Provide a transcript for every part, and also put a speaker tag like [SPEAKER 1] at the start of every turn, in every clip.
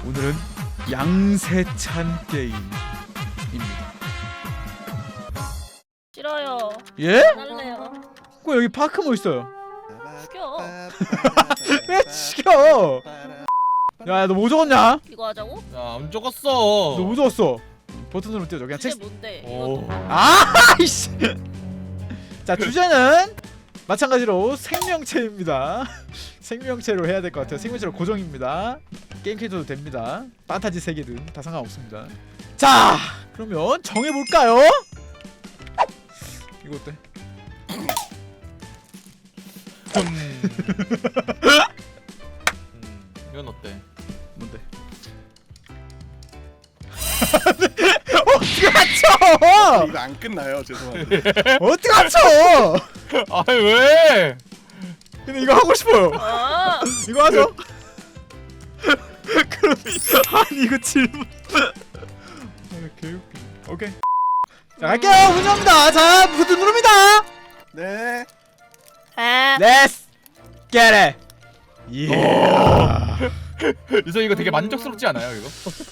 [SPEAKER 1] 오늘은 양세찬 게임입니다.
[SPEAKER 2] 싫어요.
[SPEAKER 1] 예?
[SPEAKER 2] 안 할래요.
[SPEAKER 1] 그 여기 파크모 있어요.
[SPEAKER 2] 죽여.
[SPEAKER 1] 왜 죽여? 야, 너 뭐 적었냐?
[SPEAKER 2] 이거 하자고?
[SPEAKER 3] 야, 안 적었어.
[SPEAKER 1] 너 뭐 적었어? 버튼 누르면 뛰어져. 그냥
[SPEAKER 2] 이게
[SPEAKER 1] 책.
[SPEAKER 2] 뭔데?
[SPEAKER 3] 오.
[SPEAKER 1] 아이씨. 자, 주제는 마찬가지로 생명체입니다. 생명체로 해야 될 것 같아요. 생명체로 고정입니다. 게임 캐릭터도 됩니다. 판타지 세계든 다 상관없습니다. 자, 그러면 정해볼까요? 이거 어때?
[SPEAKER 3] 이건 어때?
[SPEAKER 1] 뭔데? 어떻게 맞춰?
[SPEAKER 4] 이거 안 끝나요. 죄송한데.
[SPEAKER 1] 어떻게 맞춰?
[SPEAKER 3] 아이 왜?
[SPEAKER 1] 근데 이거 하고 싶어요.
[SPEAKER 2] 아,
[SPEAKER 1] 이거 하죠? 그럼 아니 이거 질문. 개웃기. 오케이. 자, 갈게요. 문제입니다. 자, 버튼 누릅니다.
[SPEAKER 4] 네.
[SPEAKER 2] 아,
[SPEAKER 1] Let's get it. 예.
[SPEAKER 3] 유서 이거 되게 만족스럽지 않아요 이거?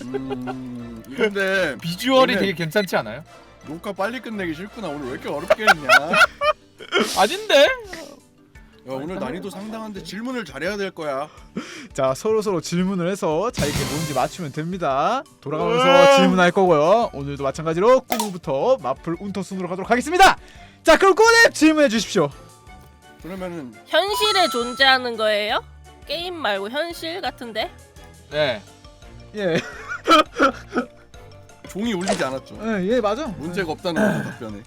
[SPEAKER 4] 근데
[SPEAKER 3] 비주얼이
[SPEAKER 4] 오늘-
[SPEAKER 3] 되게 괜찮지 않아요?
[SPEAKER 4] 녹화 빨리 끝내기 싫구나. 오늘 왜 이렇게 어렵게 했냐?
[SPEAKER 3] 아닌데?
[SPEAKER 4] 야, 오늘 난이도 상당한데 질문을 잘해야 될 거야.
[SPEAKER 1] 자, 서로 질문을 해서 자기가 뭔지 맞추면 됩니다. 돌아가면서 질문할 거고요. 오늘도 마찬가지로 꾸무부터 마플 운터 순으로 가도록 하겠습니다. 자, 그럼 꾸무님 질문해 주십시오.
[SPEAKER 4] 그러면은
[SPEAKER 2] 현실에 존재하는 거예요? 게임 말고 현실 같은데?
[SPEAKER 3] 네.
[SPEAKER 1] 예.
[SPEAKER 4] 종이 울리지 않았죠.
[SPEAKER 1] 예, 맞아.
[SPEAKER 4] 문제가 없다는 거죠, 답변에.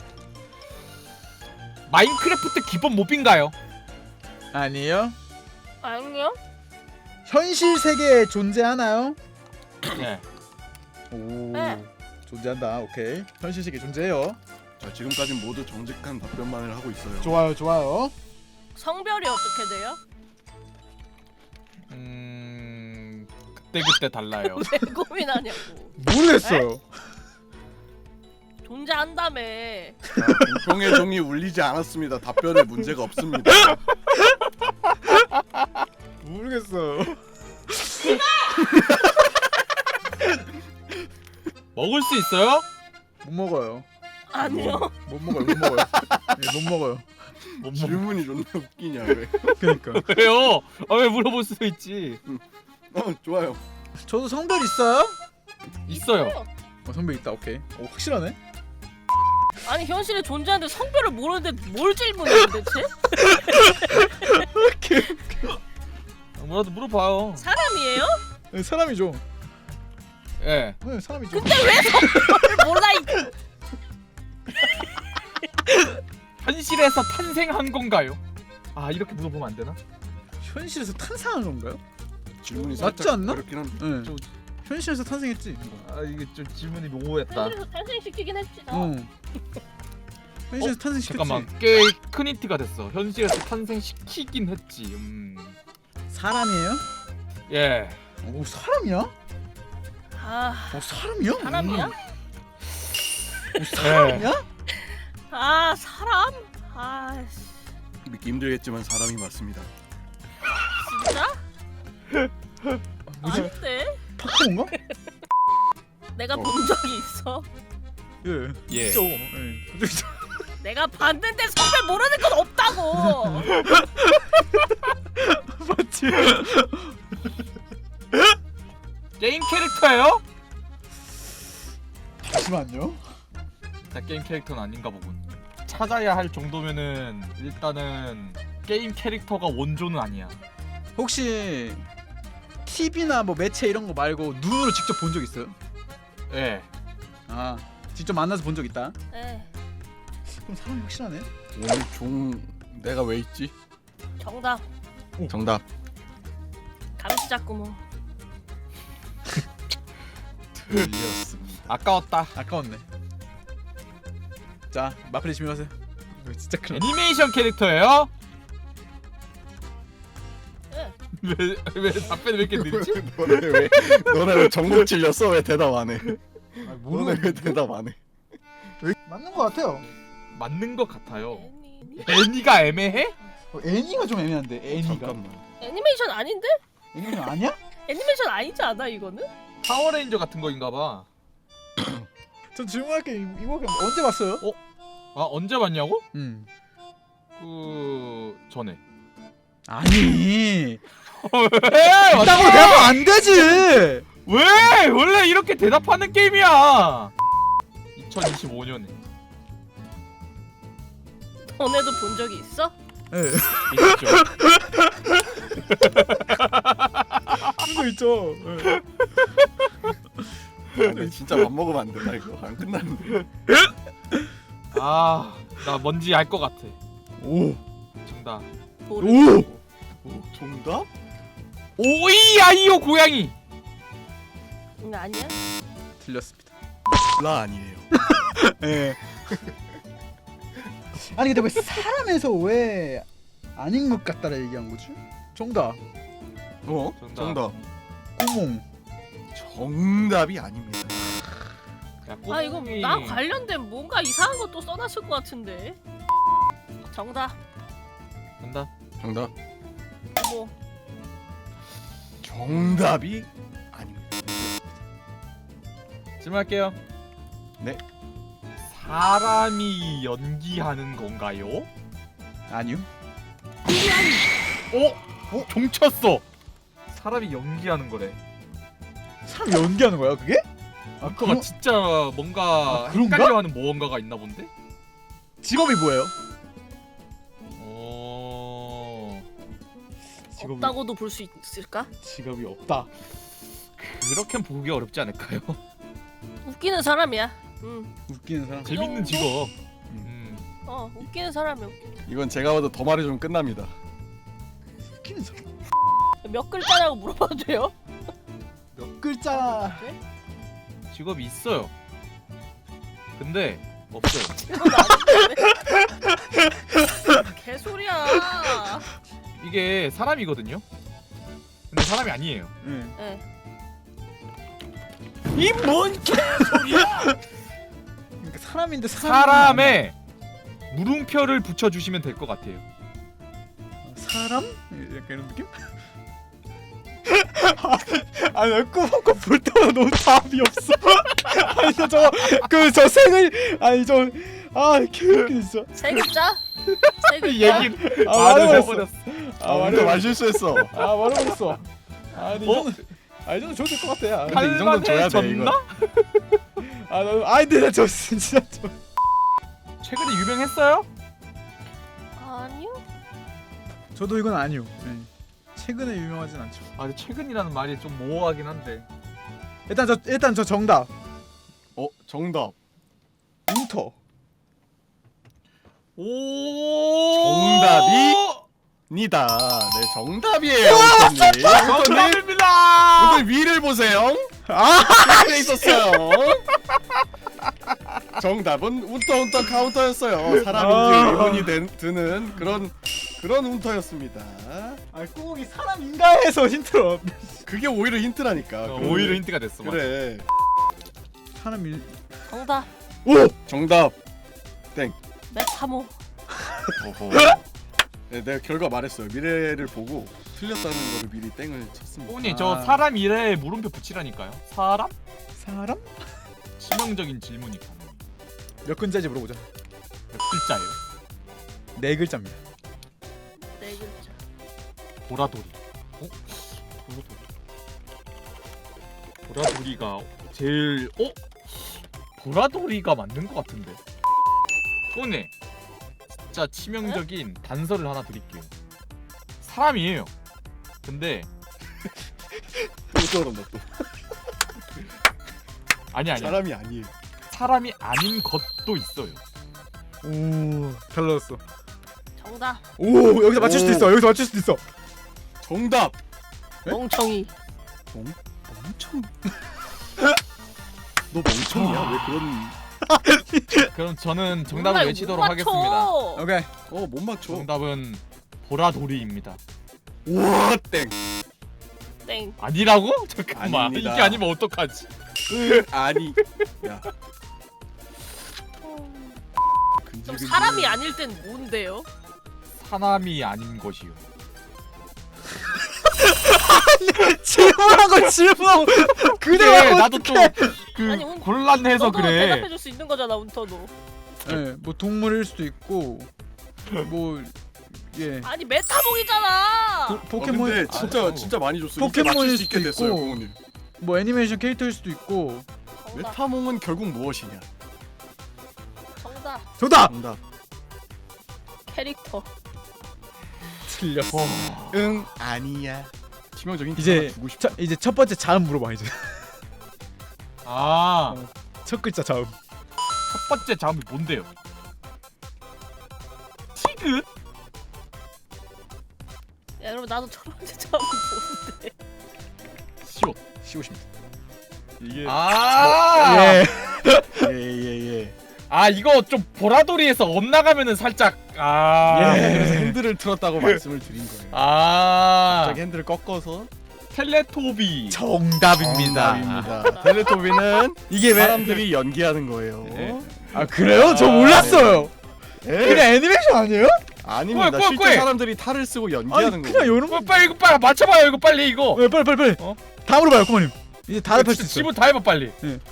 [SPEAKER 3] 마인크래프트 기본 몹인가요?
[SPEAKER 1] 아니에요.
[SPEAKER 2] 아니요.
[SPEAKER 1] 현실 세계에 존재하나요?
[SPEAKER 3] 네.
[SPEAKER 1] 오.
[SPEAKER 2] 네.
[SPEAKER 1] 존재한다. 오케이. 현실 세계 존재해요.
[SPEAKER 4] 자, 지금까지 모두 정직한 답변만을 하고 있어요.
[SPEAKER 1] 좋아요, 좋아요.
[SPEAKER 2] 성별이 어떻게 돼요?
[SPEAKER 3] 그때 달라요.
[SPEAKER 2] 왜 고민하냐고.
[SPEAKER 1] 모르겠어요.
[SPEAKER 2] 존재한다며.
[SPEAKER 4] 자, 공평의 종이 울리지 않았습니다. 답변에 문제가 없습니다.
[SPEAKER 1] 모르겠어.
[SPEAKER 3] 먹을 수 있어요?
[SPEAKER 1] 못 먹어요.
[SPEAKER 2] 아니요.
[SPEAKER 1] 못 먹어요. 못 먹어요. 예, 못 먹어요.
[SPEAKER 3] 못 먹.
[SPEAKER 4] 질문이 존나 웃기냐 왜?
[SPEAKER 1] 그러니까.
[SPEAKER 3] 왜요? 아 왜 물어볼 수도 있지.
[SPEAKER 4] 좋아요.
[SPEAKER 1] 저도 성별 있어요?
[SPEAKER 3] 있어요.
[SPEAKER 1] 성별 있다. 오케이. 오, 확실하네.
[SPEAKER 2] 아니 현실에 존재하는데 성별을 모르는데 뭘 질문해 도대체?
[SPEAKER 3] 뭐라도 물어봐요.
[SPEAKER 2] 사람이에요?
[SPEAKER 1] 네, 사람이죠.
[SPEAKER 3] 예.
[SPEAKER 1] 네, 사람이죠.
[SPEAKER 2] 근데 왜 성별을 몰라 이
[SPEAKER 3] 현실에서 탄생한 건가요? 아 이렇게 물어보면 안 되나?
[SPEAKER 1] 현실에서 탄생한 건가요?
[SPEAKER 4] 질문이
[SPEAKER 1] 맞지
[SPEAKER 4] 살짝
[SPEAKER 1] 않나?
[SPEAKER 4] 그렇긴 한데.
[SPEAKER 1] 네.
[SPEAKER 3] 좀-
[SPEAKER 1] 현실에서 탄생했지.
[SPEAKER 3] 아 이게 좀 질문이 모호했다.
[SPEAKER 2] 현실에서 탄생시키긴 했지 나.
[SPEAKER 1] 어. 현실에서 탄생시켰지.
[SPEAKER 3] 잠깐만 꽤 큰 힌트가 됐어. 현실에서 탄생시키긴 했지.
[SPEAKER 1] 사람이에요?
[SPEAKER 3] 예.
[SPEAKER 1] 오, 사람이야?
[SPEAKER 2] 아,
[SPEAKER 1] 사람이야?
[SPEAKER 2] 사람이야?
[SPEAKER 1] 사람이야?
[SPEAKER 2] 아 사람? 아
[SPEAKER 4] 믿기 힘들겠지만 사람이 맞습니다.
[SPEAKER 2] 진짜?
[SPEAKER 1] 뭐지?
[SPEAKER 2] 안돼.
[SPEAKER 1] 파크몬가?
[SPEAKER 2] 내가 본 적이 있어.
[SPEAKER 1] 예.
[SPEAKER 3] 예.
[SPEAKER 1] 있죠. 예. 그죠?
[SPEAKER 2] 내가 봤는데 성별 모르는 건 없다고.
[SPEAKER 1] 맞지?
[SPEAKER 3] 게임 캐릭터예요?
[SPEAKER 1] 잠시만요.
[SPEAKER 3] 자 게임 캐릭터는 아닌가 보군. 찾아야 할 정도면은 일단은 게임 캐릭터가 원조는 아니야.
[SPEAKER 1] 혹시 TV나 뭐 매체 이런 거 말고 눈으로 직접 본 적 있어요?
[SPEAKER 3] 예.
[SPEAKER 1] 아, 직접 만나서 본 적 있다.
[SPEAKER 2] 에
[SPEAKER 1] 그럼 사람이 확실하네.
[SPEAKER 4] 오늘 종 내가 왜 있지?
[SPEAKER 2] 정답.
[SPEAKER 4] 정답.
[SPEAKER 2] 감시자꾸모.
[SPEAKER 1] 틀렸습니다.
[SPEAKER 3] 아까웠다.
[SPEAKER 1] 아까웠네. 자, 마플이 질문하세요. 이거 진짜 큰일 났다.
[SPEAKER 3] 애니메이션 캐릭터예요?
[SPEAKER 2] 예.
[SPEAKER 3] 왜 답변이 왜 이렇게 늦지?
[SPEAKER 4] 너네 왜 정복 찔렸어? 왜 대답 안 해?
[SPEAKER 1] 아,
[SPEAKER 4] 너네 왜 대답 안 해?
[SPEAKER 1] 맞는 거 같아요.
[SPEAKER 3] 맞는 것 같아요.
[SPEAKER 2] 애니.
[SPEAKER 3] 애니가 애매해?
[SPEAKER 1] 애니가 좀 애매한데. 애니가.
[SPEAKER 4] 잠깐만.
[SPEAKER 2] 애니메이션 아닌데?
[SPEAKER 1] 애니가 아니야?
[SPEAKER 2] 애니메이션 아니지 않아 이거는?
[SPEAKER 3] 파워레인저 같은 거인가봐.
[SPEAKER 1] 전 질문할게. 이거 언제 봤어요?
[SPEAKER 3] 아 언제 봤냐고? 그 전에.
[SPEAKER 1] 아니.
[SPEAKER 3] 왜?
[SPEAKER 1] 있다고 대답하면 안 되지.
[SPEAKER 3] 왜? 원래 이렇게 대답하는 게임이야. 2025년에
[SPEAKER 2] 너네도 본 적이 있어?
[SPEAKER 1] 네.
[SPEAKER 3] 있죠.
[SPEAKER 1] 그거 있죠. 네.
[SPEAKER 4] 진짜 밥 먹으면 안 된다 이거. 안 끝나는데.
[SPEAKER 3] 아, 나 뭔지 알 것 같아.
[SPEAKER 1] 오.
[SPEAKER 3] 정답.
[SPEAKER 2] 모르.
[SPEAKER 1] 오.
[SPEAKER 4] 정답?
[SPEAKER 3] 오이아이오 고양이.
[SPEAKER 2] 아니야?
[SPEAKER 1] 틀렸습니다.
[SPEAKER 4] 라 아니에요.
[SPEAKER 1] 예. 아니 근데 왜 사람에서 왜 아닌 것 같다라 얘기한 거지? 정답.
[SPEAKER 3] 정답.
[SPEAKER 4] 정답.
[SPEAKER 1] 구몽.
[SPEAKER 4] 정답이 아닙니다.
[SPEAKER 3] 야,
[SPEAKER 2] 아 이거
[SPEAKER 3] 꼬맹이.
[SPEAKER 2] 나 관련된 뭔가 이상한 것도 써놨을 것 같은데. 정답.
[SPEAKER 3] 정답.
[SPEAKER 4] 정답.
[SPEAKER 2] 뭐
[SPEAKER 4] 정답이 아닙니다.
[SPEAKER 3] 질문할게요.
[SPEAKER 4] 네.
[SPEAKER 3] 사람이 연기하는 건가요?
[SPEAKER 1] 아니요.
[SPEAKER 3] 종쳤어. 사람이 연기하는 거래.
[SPEAKER 1] 사람 연기하는 거야 그게?
[SPEAKER 3] 뭔가가
[SPEAKER 1] 그럼-
[SPEAKER 3] 진짜 뭔가
[SPEAKER 1] 아, 그런가?
[SPEAKER 3] 헷갈려하는 무언가가 있나 본데?
[SPEAKER 1] 직업이 뭐예요? 직업이
[SPEAKER 2] 없다고도 볼 수 있을까?
[SPEAKER 1] 직업이 없다.
[SPEAKER 3] 그렇게 보기 어렵지 않을까요?
[SPEAKER 2] 웃기는 사람이야.
[SPEAKER 1] 웃기는 사람.
[SPEAKER 3] 재밌는 직업.
[SPEAKER 2] 웃기는 사람이야.
[SPEAKER 4] 이건 제가 봐도 더 말해주면 끝납니다.
[SPEAKER 1] 웃기는 사람.
[SPEAKER 2] 몇 글자라고 물어봐도 돼요?
[SPEAKER 1] 몇 글자.
[SPEAKER 2] 네?
[SPEAKER 3] 직업이 있어요. 근데 없어요.
[SPEAKER 2] 이건 아닌데. 개소리야.
[SPEAKER 3] 이게 사람이거든요. 근데 사람이 아니에요.
[SPEAKER 1] 응.
[SPEAKER 2] 네.
[SPEAKER 3] 이 뭔 개소리야?
[SPEAKER 1] 그러니까 사람인데
[SPEAKER 3] 사람에 물음표를 붙여주시면 될 것 같아요.
[SPEAKER 1] 사람? 약간 이런 느낌? 아니 나 꾸벅꾸 볼 때마다 너무 답이 없어. 아니 저 색을 아니 개웃기네 진짜.
[SPEAKER 2] 세 글자? 세 글자?
[SPEAKER 3] 얘기
[SPEAKER 1] 아,
[SPEAKER 3] 말을
[SPEAKER 1] 말해버렸어.
[SPEAKER 3] 해버렸어.
[SPEAKER 4] 오늘 말 실수했어.
[SPEAKER 1] 아 말해버렸어. 아니 이 정도 줘도 될 것 같아. 야.
[SPEAKER 4] 근데 이 정도는 줘야 돼,
[SPEAKER 3] 졌나?
[SPEAKER 1] 근데 저 진짜
[SPEAKER 3] 최근에 유명했어요?
[SPEAKER 2] 아니요.
[SPEAKER 1] 저도 이건 아니요. 네. 최근에 유명하진 않죠.
[SPEAKER 3] 아, 근데 최근이라는 말이 좀 모호하긴 한데.
[SPEAKER 1] 일단 저 정답.
[SPEAKER 4] 정답.
[SPEAKER 1] 운터.
[SPEAKER 3] 오.
[SPEAKER 4] 정답이? 니다. 네, 정답이에요, 우선님.
[SPEAKER 3] 정답입니다.
[SPEAKER 4] 오늘 위를 보세요. 밑에 있었어요. 정답은 운터 카운터였어요. 사람인지 의문이 드는 그런 운터였습니다.
[SPEAKER 1] 아 꾸벅이 사람인가에서 힌트로.
[SPEAKER 4] 그게 오히려 힌트라니까.
[SPEAKER 3] 오히려 힌트가 됐어. 맞아.
[SPEAKER 4] 그래.
[SPEAKER 1] 사람일.
[SPEAKER 2] 정답.
[SPEAKER 1] 오.
[SPEAKER 4] 정답.
[SPEAKER 2] 메타모.
[SPEAKER 3] 어허.
[SPEAKER 4] 네, 내가 결과 말했어요. 미래를 보고 틀렸다는 거를 미리 땡을 쳤습니다.
[SPEAKER 3] 꼬니 저 사람 이래 물음표 붙이라니까요. 사람?
[SPEAKER 1] 사람?
[SPEAKER 3] 치명적인 질문이 가능.
[SPEAKER 1] 몇 글자인지 물어보자.
[SPEAKER 3] 몇 글자예요?
[SPEAKER 1] 4글자입니다.
[SPEAKER 2] 네 글자.
[SPEAKER 3] 보라돌이. 보라돌이가 제일 보라돌이가 맞는 것 같은데. 꼬니 진짜 치명적인 단서를 하나 드릴게요. 사람이에요. 근데
[SPEAKER 4] 또 저런다 또.
[SPEAKER 3] 아니야.
[SPEAKER 4] 사람이 아니에요.
[SPEAKER 3] 사람이 아닌 것도 있어요.
[SPEAKER 1] 오, 잘 넣었어.
[SPEAKER 2] 정답.
[SPEAKER 1] 오, 여기서 맞출 수도 있어. 여기서 맞출 수도 있어.
[SPEAKER 4] 정답.
[SPEAKER 1] 네?
[SPEAKER 2] 멍청이.
[SPEAKER 4] 멍청. 너 멍청이야? 왜 그런?
[SPEAKER 3] 그럼 저는 정답을
[SPEAKER 2] 몰라,
[SPEAKER 3] 외치도록
[SPEAKER 2] 못
[SPEAKER 3] 하겠습니다.
[SPEAKER 2] 맞춰.
[SPEAKER 1] 오케이.
[SPEAKER 4] 못 맞춰.
[SPEAKER 3] 정답은 보라돌이입니다.
[SPEAKER 4] 우와 땡.
[SPEAKER 2] 땡.
[SPEAKER 3] 아니라고? 잠깐만.
[SPEAKER 4] 아닙니다.
[SPEAKER 3] 이게 아니면 어떡하지?
[SPEAKER 4] 아니. 야.
[SPEAKER 2] 그럼 사람이 아닐 땐 뭔데요?
[SPEAKER 3] 사람이 아닌 것이요.
[SPEAKER 1] 질문 걸 질문하고 그대로
[SPEAKER 3] 그래,
[SPEAKER 1] 하고
[SPEAKER 3] 나도
[SPEAKER 1] 어떡해.
[SPEAKER 3] 좀그
[SPEAKER 2] 아니,
[SPEAKER 3] 곤란해서
[SPEAKER 2] 너도
[SPEAKER 3] 그래.
[SPEAKER 2] 대답해줄 수 있는 거잖아 운터도.
[SPEAKER 1] 예, 뭐 동물일 수도 있고 뭐 예.
[SPEAKER 2] 아니 메타몽이잖아.
[SPEAKER 1] 포켓몬
[SPEAKER 4] 근데 진짜 많이 줬어. 이게
[SPEAKER 1] 포켓몬일
[SPEAKER 4] 맞출 수 있게
[SPEAKER 1] 수도
[SPEAKER 4] 됐어요,
[SPEAKER 1] 있고.
[SPEAKER 4] 부모님.
[SPEAKER 1] 뭐 애니메이션 캐릭터일 수도 있고.
[SPEAKER 2] 정답.
[SPEAKER 4] 메타몽은 결국 무엇이냐?
[SPEAKER 2] 정답.
[SPEAKER 1] 정답.
[SPEAKER 4] 정답.
[SPEAKER 2] 캐릭터.
[SPEAKER 1] 틀렸어.
[SPEAKER 4] 응, 아니야. 치명적인
[SPEAKER 1] 이제
[SPEAKER 4] 하나 주고 싶다.
[SPEAKER 1] 이제 첫 번째 자음 물어봐 이제.
[SPEAKER 3] 아,
[SPEAKER 1] 첫 글자 자음.
[SPEAKER 3] 첫 번째 자음이 뭔데요? 티그?
[SPEAKER 2] 야 그럼 나도 첫 번째 처음 보는데.
[SPEAKER 3] 시옷.
[SPEAKER 1] 시옷입니다.
[SPEAKER 4] 이게
[SPEAKER 3] 아,
[SPEAKER 1] 예.
[SPEAKER 4] 예.
[SPEAKER 3] 아 이거 좀 보라돌이에서 엇나가면은 살짝
[SPEAKER 4] 그래서
[SPEAKER 1] 예.
[SPEAKER 4] 핸들을 틀었다고 말씀을 드린 거예요.
[SPEAKER 3] 아
[SPEAKER 4] 갑자기 핸들을 꺾어서
[SPEAKER 3] 텔레토비.
[SPEAKER 1] 정답입니다.
[SPEAKER 4] 정답입니다. 텔레토비는
[SPEAKER 1] 이게 왜?
[SPEAKER 4] 사람들이 연기하는 거예요.
[SPEAKER 1] 예. 아 그래요? 저 몰랐어요. 그냥 애니메이션 아니에요?
[SPEAKER 4] 아닙니다.
[SPEAKER 3] 꾸에, 꾸에,
[SPEAKER 4] 실제
[SPEAKER 3] 꾸에.
[SPEAKER 4] 사람들이 탈을 쓰고
[SPEAKER 1] 아니
[SPEAKER 4] 연기하는
[SPEAKER 1] 그냥
[SPEAKER 4] 거예요.
[SPEAKER 1] 요런 거.
[SPEAKER 3] 빨리 이거 빨리 맞춰봐요 이거 빨리 이거.
[SPEAKER 1] 네, 빨리.
[SPEAKER 3] 어?
[SPEAKER 1] 다 물어봐요, 꼬마님. 이제 다 답할 수 있어.
[SPEAKER 3] 지문 다 해봐 빨리.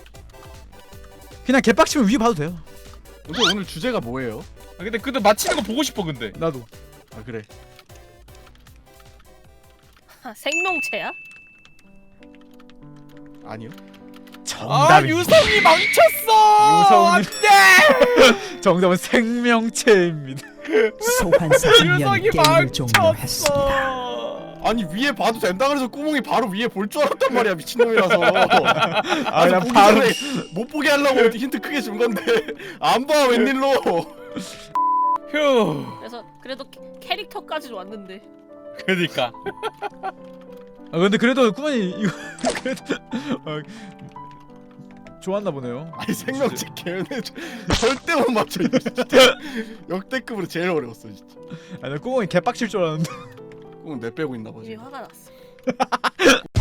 [SPEAKER 1] 그냥 개빡치면 위에 봐도 돼요.
[SPEAKER 4] 근데 오늘 주제가 뭐예요?
[SPEAKER 3] 아, 근데 맞히는 거 보고 싶어 근데.
[SPEAKER 1] 나도.
[SPEAKER 4] 아 그래.
[SPEAKER 2] 아, 생명체야?
[SPEAKER 4] 아니요.
[SPEAKER 3] 아
[SPEAKER 1] 정답입니다.
[SPEAKER 3] 유성이 망쳤어.
[SPEAKER 1] 유성님.
[SPEAKER 3] 안돼.
[SPEAKER 1] 정답은 생명체입니다.
[SPEAKER 5] 소환사 생명
[SPEAKER 3] 유성이
[SPEAKER 5] 게임을 종료했습니다.
[SPEAKER 3] 망쳤어.
[SPEAKER 4] 아니 위에 봐도 된다 그래서 구멍이 바로 위에 볼 줄 알았단 말이야 미친놈이라서.
[SPEAKER 1] 아 그냥
[SPEAKER 4] 보기
[SPEAKER 1] 바로.
[SPEAKER 4] 전에 못 보게 하려고 힌트 크게 준 건데 안 봐 웬일로?
[SPEAKER 3] 휴.
[SPEAKER 2] 그래서 그래도 캐릭터까지 왔는데.
[SPEAKER 3] 그러니까.
[SPEAKER 1] 아 근데 그래도 꾸만이 이거 그래도 좋았나 보네요.
[SPEAKER 4] 아니 생명체 개연해 절대 못 맞춰 이거 진짜 역대급으로 제일 어려웠어 진짜.
[SPEAKER 1] 아나 꾸멍이 개빡칠 줄 알았는데.
[SPEAKER 4] 그건 내 빼고 있나 봐.
[SPEAKER 2] 이미
[SPEAKER 4] 지금.
[SPEAKER 2] 화가 났어.